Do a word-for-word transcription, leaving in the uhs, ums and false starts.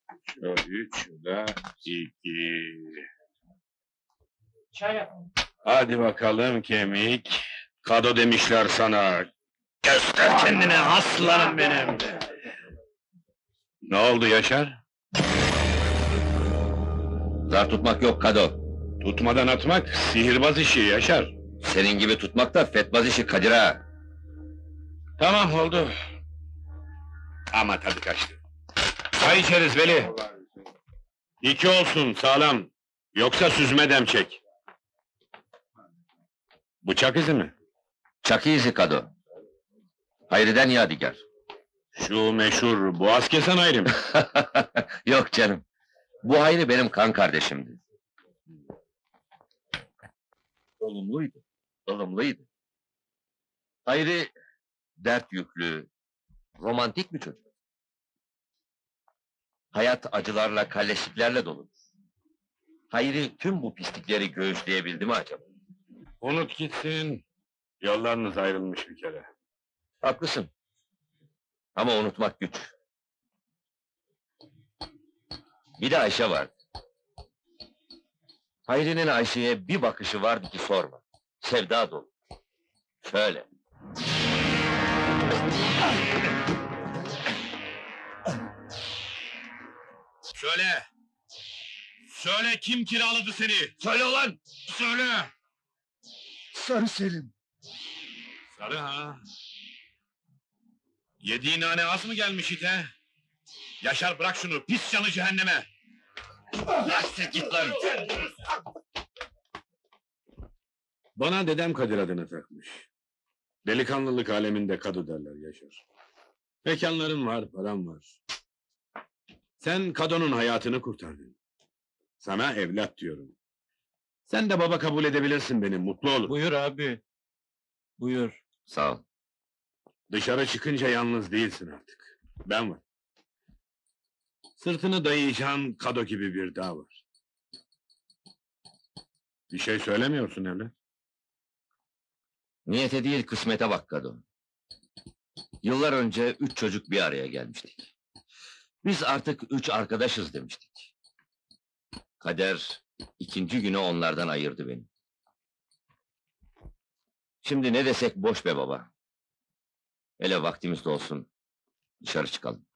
Şu üç, şu da iki. Çay yapın. Hadi bakalım kemik. Kado demişler sana. Göster kendini aslanım benim. Ne oldu Yaşar? Zar tutmak yok Kado. Tutmadan atmak sihirbaz işi Yaşar. Senin gibi tutmak da fetbaz işi Kadir ağa. Tamam oldu. Ama tadı kaçtı. Çay içeriz Veli. İki olsun sağlam. Yoksa süzme dem çek. Bıçak izi mi? Çakı izi Kado. Hayri'den yadigar. Şu meşhur boğaz kesen ayrı mı? Yok canım. Bu Hayri benim kan kardeşimdi. Olumluydu, ılımlıydı. Hayri dert yüklü, romantik bir çocuk. Hayat acılarla, kalleşliklerle dolu. Hayri tüm bu pislikleri göğüsleyebildi mi acaba? Unut gitsin. Yollarınız ayrılmış bir kere. Haklısın. Ama unutmak güç. Bir de Ayşe vardı. Hayri'nin Ayşe'ye bir bakışı vardı ki sorma. Sevda dolu. Şöyle. Söyle! Söyle kim kiraladı seni? Söyle ulan! Söyle! Sarı Selim. Sarı ha? Yediğin nane az mı gelmiş ite? Yaşar bırak şunu, pis canı cehenneme! Bırak git lan! Bana dedem Kadir adını takmış. Delikanlılık aleminde Kadu derler Yaşar. Mekanların var, param var. Sen Kado'nun hayatını kurtardın. Sana evlat diyorum. Sen de baba kabul edebilirsin beni, mutlu olur. Buyur abi. Buyur. Sağ ol. Dışarı çıkınca yalnız değilsin artık. Ben var. Sırtını dayayacağın Kado gibi bir dağ var. Bir şey söylemiyorsun evlat. Niyete değil kısmete bak Kado. Yıllar önce üç çocuk bir araya gelmiştik. Biz artık üç arkadaşız demiştik. Kader ikinci günü onlardan ayırdı beni. Şimdi ne desek boş be baba. Hele vaktimiz de olsun. Dışarı çıkalım.